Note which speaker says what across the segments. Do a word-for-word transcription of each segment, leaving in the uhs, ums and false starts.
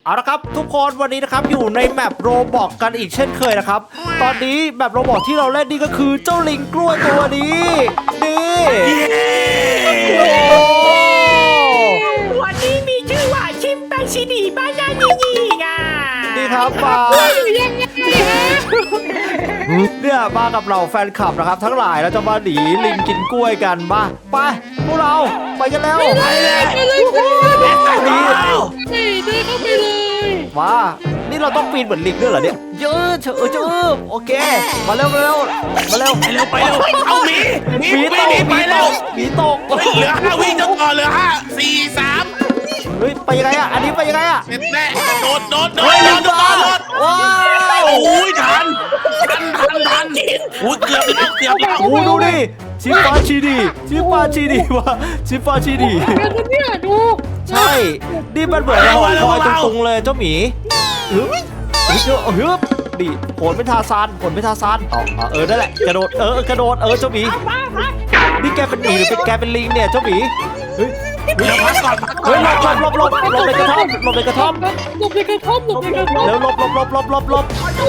Speaker 1: เอาละครับทุกคนวันนี้นะครับอยู่ในแมปโรบอกกันอีกเช่นเคยนะครับตอนนี้แมปโรบอกที่เราเล่นนี่ก็คือเจ้าลิงกล้วยตัวนี้นี่
Speaker 2: วันนี้มีชื่อว่าชิมแปนซินีบ้านนานีนีไง
Speaker 1: นี่ครับมา
Speaker 2: ยังไงฮะ
Speaker 1: เนี่ยมากับเราแฟนคลับนะครับทั้งหลายเราจะมาหนีลิงกินกล้วยกันมาไปพวกเราไปกันแล้ว
Speaker 2: ไปเลยไปเลยไปเลย
Speaker 1: นี่
Speaker 2: เดินเข้าไปเลย
Speaker 1: มานี่เราต้องปีนเหมือนลิงด้วยเหรอเนี่ยเยอะเฉอะเฉอะโอเคมาเร็วมาเร็วมาเร็ว
Speaker 3: ไปเร็วไปเร็วเอาหมีหมีหมีหมีไปเร็ว
Speaker 1: หมีตก
Speaker 3: เหลือห้าวิ่งจะต่อเหลือห้าสี่สาม
Speaker 1: เฮ้ยไปยังไงอ่ะอันนี้ไปยังไงอ่ะ
Speaker 3: เสร็จแน่โดดโดดโดดโดดโดดโดด
Speaker 1: ว้าว
Speaker 3: โอ้ยทันทันทันทันโอ้ยเกือบแล้วเกือบแล้ว
Speaker 1: โอ้ดูดิชิฟาชีดีชิฟาชีดีวะชิฟาชีดี
Speaker 2: เนี่ยดู
Speaker 1: ใช่นี่มันเหมือนหอยลอยตุงๆเลยเจ้าหมีฮึบฮึบฮึบดิโหนเป็นทาซานโหนเป็นทาซานอ๋อเออนั่นแหละกระโดดเออกระโดดเออเจ้าหมีนี่แกเป็นหมีหรือเป็นแกเป็นลิงเนี่ยเจ้าหมีเฮ้ย
Speaker 3: เดี๋ยวพักก่อน
Speaker 1: เฮ้ยหลบหลบหลบหลบในกระท่อมหลบในกระท่อม
Speaker 2: หลบในกระท่อมหลบในกระท่อม
Speaker 1: แล้วหลบหลบหลบหลบหลบหลบ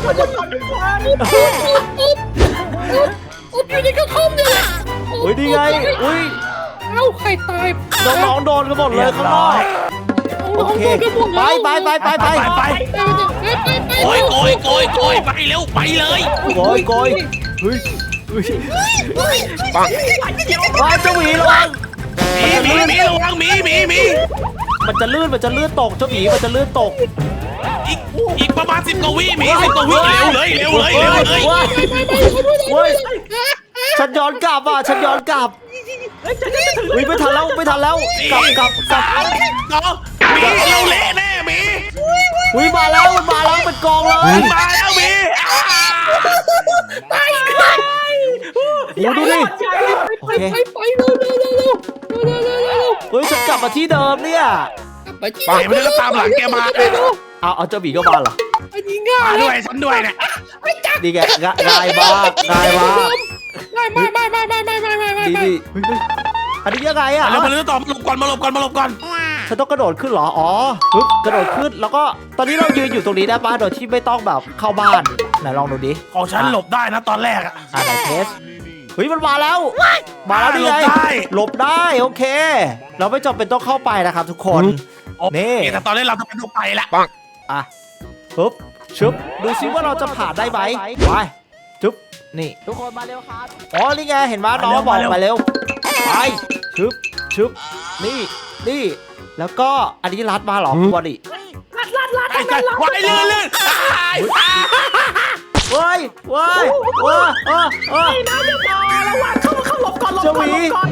Speaker 2: อุ๊บอยู่ในกระท่อมเนี่ย
Speaker 1: เฮ้ยดีไงอุ้ย
Speaker 2: เอ้าใครตาย
Speaker 1: น้องๆโดนกันหมดเลยข้างนอกโอเคไปไปไปไปไป
Speaker 3: ไปโกยโกยโกยโกยไปเร็วไปเลย
Speaker 1: โกยโกยเฮ้ยเฮ้ยปังว้าเจ้าหมีระวัง
Speaker 3: มีมีมีระวังมีมีมี
Speaker 1: มันจะลื่นมันจะลื่นตกเจ้าหมีมันจะลื่นตก
Speaker 3: อีกอีกประมาณสิบกว่าวิมีสิบกว่าวิเร็วเลยเร็วเลยเร็วเลย
Speaker 1: เฮ้ยฉันย้อนกลับอ่ะฉันย้อนกลับวิ่งไม่ทันแล้วไม่ทันแล้วกลับกลับกลับ
Speaker 3: มีเราเละแน่มี
Speaker 1: วิ่งมาแล้วมันมาแล้วเป็นกองเลย
Speaker 3: มาแล้วมี
Speaker 2: ไปไป
Speaker 1: ดูดิโอเค
Speaker 2: ไปไปเร็วเร็วเร็วเร็วเร็วเร็วเร็ว
Speaker 1: เฮ้ยฉันกลับมาที่เดิมเนี่ย
Speaker 2: ไปที่
Speaker 3: ไปไม่ได้ก็ตามหลังแกมา
Speaker 1: เอาเอาเจ้าหมีก็มาเหรอ
Speaker 2: อันนี้ง่าย
Speaker 3: ด้วยฉันด้วยเนี่ย
Speaker 1: ดีแกง่ายมากง่ายมาก
Speaker 2: ไม่ไม่ไม่ไม่ไม่ไม่ไม่ไม่ไม่
Speaker 1: ดีดีอันนี้ยังไงอ่ะ
Speaker 3: เรามาเริ่มต่อมาหลบก่อนมาหลบก่อนมาหลบก่อน
Speaker 1: ฉันต้องกระโดดขึ้นเหรออ๋อปึ๊บกระโดดขึ้นแล้วก็ตอนนี้เรายืนอยู่ตรงนี้ได้ป่ะโดยที่ไม่ต้องแบบเข้าบ้านไหนลองดูดิ
Speaker 3: ของฉันหลบได้นะตอนแรกอ่ะ
Speaker 1: อ่าไหนเทสเฮ้ยมันมาแล้วมาแล้วดิไงหลบได้โอเคเราไม่จำเป็นต้องเข้าไปนะครับทุกคนนี่
Speaker 3: แต่ตอนแรกเราต้องไปต้องไปละ
Speaker 1: อ่ะปึ๊บชึบดูซิว่าเราจะผ่านได้ไหมไปชึบนี่ทุกคนมาเร็วครับอ๋อนี่ไงเห็นไหมน้องบอกมาเร็วไปชึบชึบนี่นี่แล้วก็อันนี้รัดมาหรอบอดี้
Speaker 2: รัดรัดรัด
Speaker 3: ไอ้ใจวายลื่นลื่น
Speaker 1: เว้ยเว้ยเว้ยเออเออ
Speaker 2: น้ำจะพอระวังเข้าเข้าหลบก่อนหลบก่อนหลบก่อน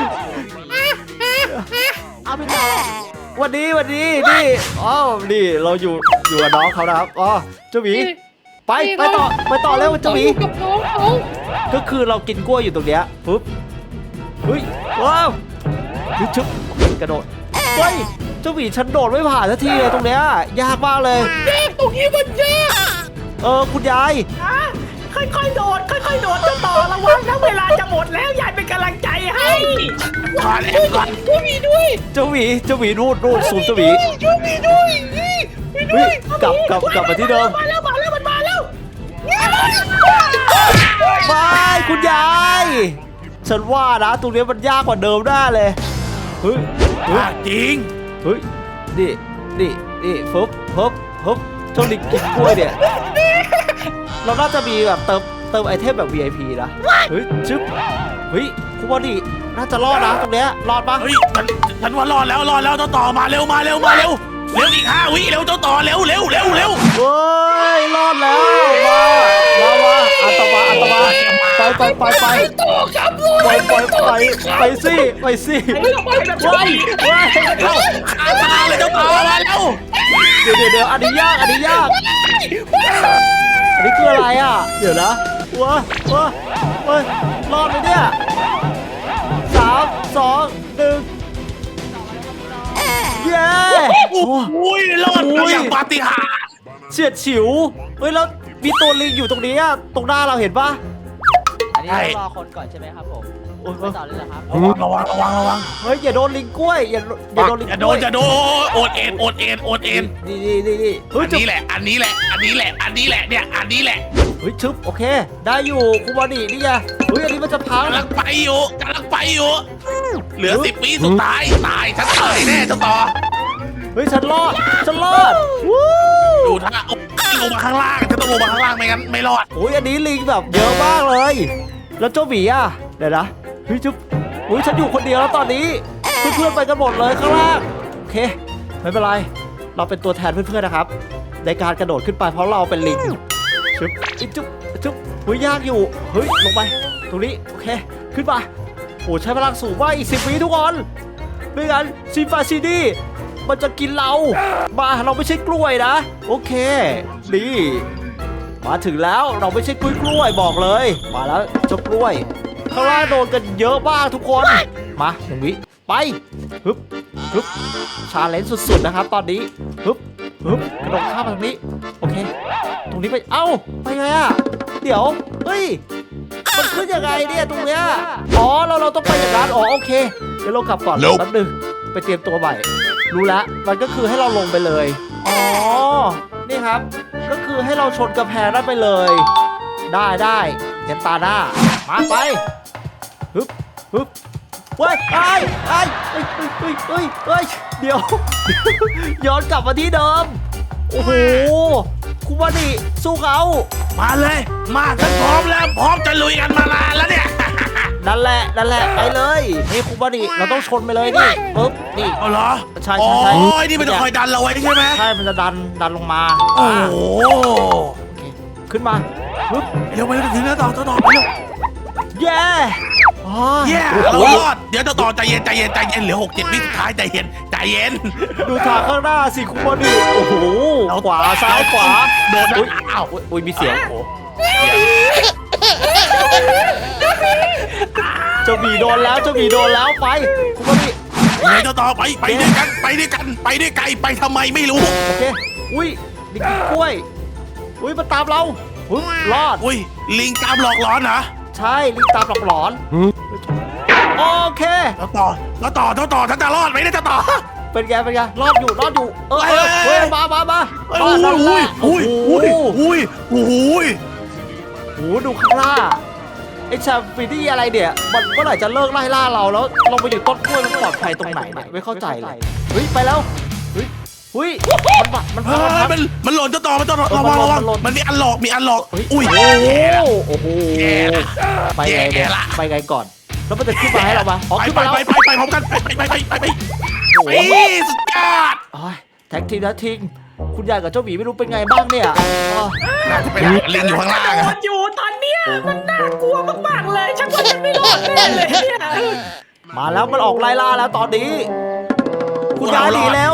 Speaker 1: เอาไปต่อวันนี้วันนี้นี่อ๋อนี่เราอยู่อยู่กับน้องเขานะครับอ๋อเจ้าหมีไปไปต่อไปต่อแล้วเจ้าหมี
Speaker 2: กับน้องเขา
Speaker 1: ก็คือเรากินกล้วยอยู่ตรงเนี้ยปุ๊บเฮ้ยว้าวชุบชุบกระโดดเฮ้ยเจ้าหมีฉันโดดไม่ผ่านสักทีเลยตรงเนี้ยยากมากเลย
Speaker 2: ยากตรงนี้มันยาก
Speaker 1: เออคุณยาย
Speaker 2: ค่อยๆโดดค่อยๆโดดจะต่อระวังนะเวลาจะหมดแล้วยายเป็นกำลังใจให้
Speaker 3: ก่อนแล้วก่อน
Speaker 2: เจ้าหมีด้วย
Speaker 1: เจ้าหมีเจ้าหมีรูดรูดสูบเจ้าหมี
Speaker 2: เจ้าหมีด้วยนี่
Speaker 1: ด้วยกลับกลับกลับมาที่เดิม
Speaker 2: มาแล้วมาแล้วมันมาแล้ว
Speaker 1: ไปคุณยายฉันว่านะตรงนี้มันยากกว่าเดิมได้เลยเฮ้ย
Speaker 3: จริง
Speaker 1: เฮ้ยนี่นี่นี่ฟึบฟึบฟึบเจ้าลิงกินกล้วยเนี่ยเราน่าจะมีแบบเติมเติมไอเทมแบบ วี ไอ พี นะเฮ้ยชึบเฮ้ยคุณบอดี้น่าจะรอดนะตรงเนี้ยรอดปะ
Speaker 3: เฮ้ยฉันฉันว่ารอดแล้วรอดแล้วเจ้าต่อมาเร็วมาเร็วมาเร็วเร็วอีกห้าวิเร็วเจ้าต่อเร็วเร็วเร็วเร็ว
Speaker 1: เฮ้ยรอดแล้วมามามาอัตมาอัตมาไปไปไปไป
Speaker 2: ต่อครับ
Speaker 1: ไปไปไปไปสิไปสิ
Speaker 2: ไปไปไป
Speaker 1: ไป
Speaker 3: ข้าตาเลยเจ้าต่อมาเร็ว
Speaker 1: เดี๋ยวเดี๋ยวเดี๋ยวอันนี้ยากอันนี้ยากอันนี้คืออะไรอ่ะเดี๋ยวนะว้าว้าเฮ้ยรอดไหมเนี่ยสามสองหนึ่งเย้
Speaker 3: โอ้ยรอดอย่างปาฏิหาริย์
Speaker 1: เฉียดฉิวเฮ้ยแล้วมีตัวลิงอยู่ตรงนี้ตรงหน้าเราเห็นปะ
Speaker 4: อันนี้ต้องรอคนก่อนใช่ไหมครับผม
Speaker 1: โอ้ย
Speaker 4: ไปต่อเลยเหรอครับ
Speaker 3: ระวังระวังระวังระวัง
Speaker 1: เฮ้ยอย่าโดนลิงกล้วยอย่าอย่าโดนลิง
Speaker 3: อย่าก โด
Speaker 1: ล้วน ย
Speaker 3: อย่าโดนโอดเอ็นโอดเอ็นโอดเอ็น
Speaker 1: นี่นี่นี่นี่เฮ้ย
Speaker 3: อัน
Speaker 1: จุ๊บ
Speaker 3: นี้แหละอันนี้แหละอันนี้แหละอันนี้แหละเนี่ยอันนี้แหละ
Speaker 1: เฮ้ยชึบโอเค ได้อยู่ครูบอดี้นี่ไงเฮ้ยอันนี้มันจะพัง
Speaker 3: กำลังไปอยู่กำลังไปอยู่เหลือสิบวิสุดท้ายตายฉันตายแน่เจ้าต่อ
Speaker 1: เฮ้ยฉันรอดฉันรอดวู้
Speaker 3: ดูท่าโอ้ยลงมาข้างล่างฉันต้องลงมาข้างล่างไม่งั้นไม่รอด
Speaker 1: โอ้ยอันนี้ลิงแบบเยอะมากเลย แล้วเจ้าหมีอ่ะเดี๋ยวนะเฮ้ยจุ๊บโอ้ยฉันอยู่คนเดียวแล้วตอนนี้เพื่อนๆไปกันหมดเลยข้างล่างโอเคไม่เป็นไรเราเป็นตัวแทนเพื่อนๆนะครับในการกระโดดขึ้นไปเพราะเราเป็นลิงชึบอิ๊บจุ๊บจุ๊บเฮ้ยยากอยู่เฮ้ยลงไปตรงนี้โอเคขึ้นมาโอ้ใช้พลังสูงมากอีกสิบวิทุกคนไม่งั้นซีฟาซีดีมันจะกินเรามาเราไม่ใช่กล้วยนะโอเคดีมาถึงแล้วเราไม่ใช่กล้วยกล้วยบอกเลยมาแล้วเจ้ากล้วยข้างล่างโดนกันเยอะมากทุกคนมาหนึ่งวิไปฮึบฮึบชาเลนจ์สุดๆนะครับตอนนี้ฮึบฮึบกระโดดข้ามมาตรงนี้โอเคตรงนี้ไปเอ้าไปไงอะเดี๋ยวเฮ้ยมันขึ้นยังไงเนี่ยตรงเนี้ยอ๋อเราเราต้องไปอย่างนั้นอ๋อโอเคเดี๋ยวเรากลับก่อนแป๊บนึงไปเตรียมตัวใหม่รู้แล้วมันก็คือให้เราลงไปเลยอ๋อนี่ครับก็คือให้เราชนกระแพงได้ไปเลย ได้ได้ยันตาหน้ามาไปฮึบฮึบเฮ้ยไอ้ไอ้เฮ้ยเฮ้ยเฮ้ยเฮ้ยเดี๋ยว ย้อนกลับมาที่เดิมโอ้โหคุณวานิสู้เขา
Speaker 3: มาเลยมาฉันพร้อมแล้วพร้อมจะลุยกันมานานแล้วเนี่ย
Speaker 1: นั่นแหละนั่นแหละไปเลยนี่คุณวานิเราต้องชนไปเลยนี่ปึ๊บนี่
Speaker 3: เอาเหรอ
Speaker 1: ใช่
Speaker 3: โอ้
Speaker 1: ใช่ใช่
Speaker 3: ยนี่มันจะคอยดันเราไว้ใช่ไหม
Speaker 1: ใช่มันจะดันดันลงมา
Speaker 3: โอ้โห
Speaker 1: โอเคขึ้นมาปึ๊บ
Speaker 3: เร็วไปเร็วถึงแล้วต่อต่อต่อไปเร็ว
Speaker 1: เย้อ๋อ
Speaker 3: เย้
Speaker 1: โอ้
Speaker 3: เรา
Speaker 1: โห
Speaker 3: รอดเดี๋ยวต่อต่อใจเย็นใจเย็นใจเย็นเหลือหกเจ็ดวิสุดท้ายใจเย็นใจเย็น
Speaker 1: ดูทางข้างหน้าสิคุณวานิโอ้โหขวาซ้ายขวา
Speaker 3: โดน
Speaker 1: อุ๊ย
Speaker 3: อ้าว
Speaker 1: อุ๊ยอุ๊ยมีเสียงโอ้โหเจ้าหมีโดนแล้วเจ้าหมีโดนแล้วไปคุณวานิ
Speaker 3: ยังไงต่อต่อไปไปด้วยกันไปด้วยกันไปด้วยไกลไปทำไมไม่รู้
Speaker 1: โอเคอุ้ยลิงกินกล้วยอุ้ยมันตามเราอุ๊ยรอด
Speaker 3: อุ้ยลิงตามหลอกหลอนเหรอ
Speaker 1: ใช่ลิงตามหลอกหลอนโอเค
Speaker 3: ต่อต่อต่อต่อต่อต่อฉันจะรอดไหมเนี่ยจะต่อ
Speaker 1: เป็นไงเป็นไงรอดอยู่รอดอยู่เออเออ
Speaker 3: เฮ้
Speaker 1: เฮ้
Speaker 3: ย
Speaker 1: ยมามามา
Speaker 3: อุ้ย
Speaker 1: รอดรอดรอด
Speaker 3: อุ้ยอุ้ยอุ้ยอุ้ยอุ้ย
Speaker 1: โอ้โหดูข้างหน้าไอ้ชาฟิดี้อะไรเนี่ยมันเมื่อไหร่จะเลิกไล่ล่าเราแล้วเราไปอยู่ต้นกล้วยมันปลอดภัยตรงไหนเนี่ยไม่เข้าใจเลยเฮ้ยไปแล้วเฮ้ยเฮ้ยมันบัดมัน
Speaker 3: เฮ้
Speaker 1: พัง
Speaker 3: ยมันมันหล่นจะต่อมันจะต่อระวังระวังมันมีอันหลอกมีอันหลอก
Speaker 1: เฮ้ย
Speaker 3: อุ้ย
Speaker 1: โอ้โหโอ้โห
Speaker 3: แย่ละ
Speaker 1: ไปไงเนี่ย
Speaker 3: แย่ละ
Speaker 1: ไปไงก่อนแล้วมันจะขึ้นมาให้เราปะอ๋อ
Speaker 3: ไป
Speaker 1: ขึ้น
Speaker 3: ไป
Speaker 1: มาแล้ว
Speaker 3: ไปไปไปพร้อมกันไปไปไปไปไป
Speaker 1: โอ้โห
Speaker 3: ไปสุดยอด
Speaker 1: โอ้ยแท็กทีมนะทิงคุณยายกับเจ้าหมีไม่รู้เป็นไงบ้างเนี่ยอ๋อ
Speaker 3: น่าจะเป็นลิงอยู่ข้างล่าง
Speaker 2: โด
Speaker 3: อะ
Speaker 2: ดอยู่ตอนเนี้ยมันน่ากลัวมากๆเลยฉันว่าฉันไม่รอดแน่เลยเนี่ย
Speaker 1: มาแล้วมันออกไล่ล่าแล้วตอนนี้ คุณยายหนีแล้ว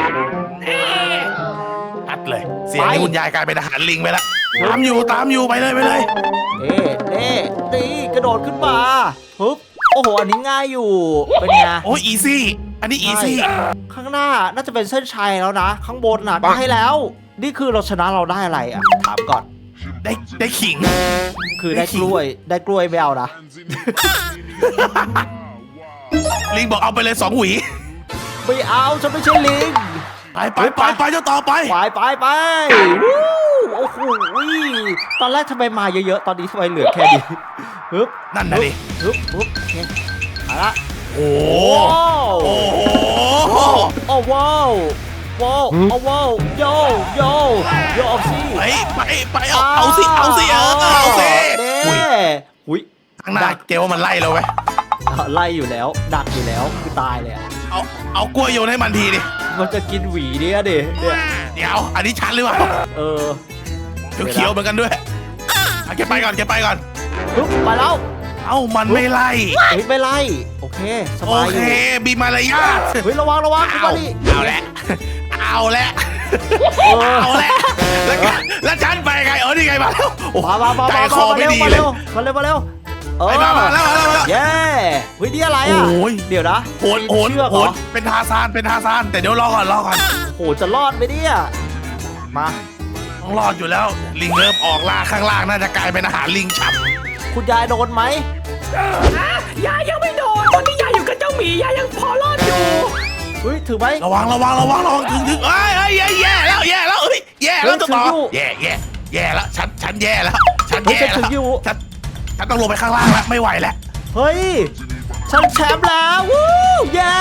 Speaker 3: ชัดเลย เสียงนี้คุณยายกลายเป็นทหารลิงไปแล้วตามอยู่ตามอยู่ไปเลยไปเลย
Speaker 1: เอ๊ะเอ๊ะตีกระโดดขึ้นมาปึ๊บโอ้โหอันนี้ง่ายอยู่เป็นไง
Speaker 3: โอ้ยอีซี่อันนี้อีซี่
Speaker 1: ใช่ข้างหน้าน่าจะเป็นเส้นชัยแล้วนะ ข้างบนน่ะใกล้แล้ว นี่คือเราชนะเราได้อะไรอ่ะถามก่อน
Speaker 3: ได้ได้ขิง
Speaker 1: คือได้กล้วยได้กล้วยไม่เอานะ
Speaker 3: ลิงบอกเอาไปเลยสองหวี
Speaker 1: ไม่เอาฉันไม่ใช่ลิง
Speaker 3: ไปไปไปไปเจ้าต่อไป
Speaker 1: ไปไปไปวู้โอ้โหตอนแรกทำไมมาเยอะๆ ตอนนี้ทำไมเหลือแค่นี้ฮึบ
Speaker 3: นั่นนะดิ
Speaker 1: ฮึบฮึบโอเคมาละ
Speaker 3: โอ้
Speaker 1: โอ้
Speaker 3: โห
Speaker 1: โอ้โอ้ว้าวว้าวโอ้ว้าวโยโยโยเอาสิ
Speaker 3: ไปไปไปเอาเอาสิเอาสิเออเอาสิ
Speaker 1: เด้
Speaker 3: อุ้ย
Speaker 1: อุ้ย
Speaker 3: ข้างหน้าเกลว่ามันไล่เราไหม
Speaker 1: ไล่อยู่แล้ว ดักอยู่แล้ว คือตายเลยอะ
Speaker 3: เอาเอากล้วยโยนให้มันทีดิ
Speaker 1: มันจะกินหวีเนี่ยดิเนี่ย
Speaker 3: เดี๋ยวอันนี้ชันหรือเปล่า
Speaker 1: เออ
Speaker 3: เขียวๆเหมือนกันด้วยเอาแกไปก่อนแกไปก่อน
Speaker 1: ฮึบไปแล้ว
Speaker 3: เอ้ามันไม่ไล่
Speaker 1: เฮ้ยไม่ไล่ โอเค ส
Speaker 3: โอบ
Speaker 1: ายอ
Speaker 3: เค
Speaker 1: ยู่
Speaker 3: มีมารยาท
Speaker 1: เฮ้ยระวังระวังคุณ
Speaker 3: เอา
Speaker 1: บอดี้
Speaker 3: เอาละเอาละ
Speaker 1: เออ
Speaker 3: เอาละแล้วก็แล้วฉันไปไงเออนี่ไงมาแล้วโอ้
Speaker 1: มามามา
Speaker 3: ใจ
Speaker 1: มา
Speaker 3: คอ
Speaker 1: มา
Speaker 3: ไม่
Speaker 1: เร็ว
Speaker 3: ดี
Speaker 1: มา
Speaker 3: เล
Speaker 1: เร็
Speaker 3: ยว
Speaker 1: มาเร็วมาเร็วเออ
Speaker 3: ไปมามาแล้วมาแล้วมาแล้ว
Speaker 1: เย้เฮ้ยนี่อะไรอ่ะ
Speaker 3: โอ้ย
Speaker 1: เดี๋ยวนะ
Speaker 3: โหนโหน
Speaker 1: เชือก
Speaker 3: โห
Speaker 1: เหร
Speaker 3: น
Speaker 1: อ
Speaker 3: เป็นทาซานเป็นทาซานแต่เดี๋ยวรอก่อนรอก่อน
Speaker 1: โหจะรอดไหมเนี่ยมา
Speaker 3: ต้องรอดอยู่แล้วลิงเริ่มออกล่าข้างล่างน่าจะกลายเป็นอาหารลิงฉับ
Speaker 1: คุณยายโดนไหม
Speaker 2: อ่ะยายยังไม่โดนตอนนี้ยายอยู่กับเจ้าหมียายยังพอรอดอยู่
Speaker 1: เฮ้ยถือไหม
Speaker 3: ระวังระวังระวังระวังถึงถึงเอ้ยเอ้ยแย่แย่แล้วแย่แล้วเอ้ยแย่แล้วเจ้าต่อแย่แย่แย่แล้วฉันฉันแย่แล้วฉันแย่แล้วฉันฉันต้องลงไปข้างล่างแล้วไม่ไหวแล้ว
Speaker 1: เฮ้ยฉันแชมป์แล้ววู้เย้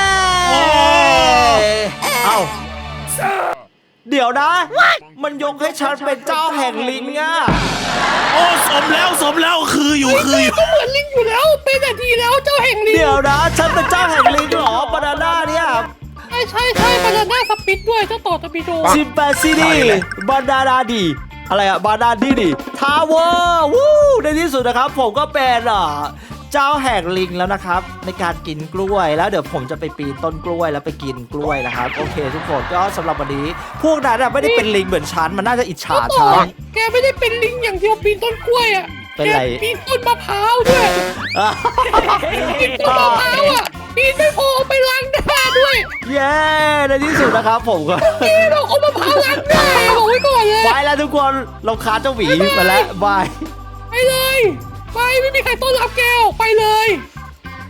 Speaker 1: เอ้าเดี๋ยวนะ มันยกให้ฉันเป็นเจ้าแห่งลิงอ่ะ
Speaker 3: โอ้สมแล้วสมแล้วคืออยู่คืออยู่
Speaker 4: ก็เหมือนลิงอยู่แล้วเป็นแต่ทีแล้วเจ้าแห่งลิง
Speaker 1: เดี๋ยวนะฉันเป็นเจ้าแห่งลิงเหรอบานาน่าเนี่ย
Speaker 4: ใช่ใช่ใช่บานาน่าสปิดด้วยเจ้าต่อตะบิโด
Speaker 1: ชิมแปนซีดีบานานาดีอะไรอะบานาดีดีทาวเวอร์วู้ในที่สุดนะครับผมก็เป็นอ่ะเจ้าแห่งลิงแล้วนะครับในการกินกล้วยแล้วเดี๋ยวผมจะไปปีนต้นกล้วยแล้วไปกินกล้วยนะครับโอเคทุกคนก็สำหรับวันนี้พวกนั้นอะไม่ได้เป็นลิงเหมือนฉันมันน่าจะอิจฉา
Speaker 4: เจ้าต่อ
Speaker 1: ฉัน
Speaker 4: แกไม่ได้เป็นลิงอย่างเดียวปีนต้นกล้วยอ่ะ
Speaker 1: เป็น
Speaker 4: แก
Speaker 1: ไร
Speaker 4: ปีนต้นมะพร้าวด้วยปีนต้นมะพร้าวอ่ะปีนไม่พอเอาไปล้างหน้าด้วย
Speaker 1: เย้ในที่สุดนะครับผมก็
Speaker 4: เอ๊ะเราเอามะพร้าวล้างหน้าบอกไว้ก่อนเลย
Speaker 1: ไปแล้วทุกคนเราคาเจ้าหวีมาแล้วบาย
Speaker 4: ไปเลยไปไม่มีใครต้อนรับแกออกไปเลย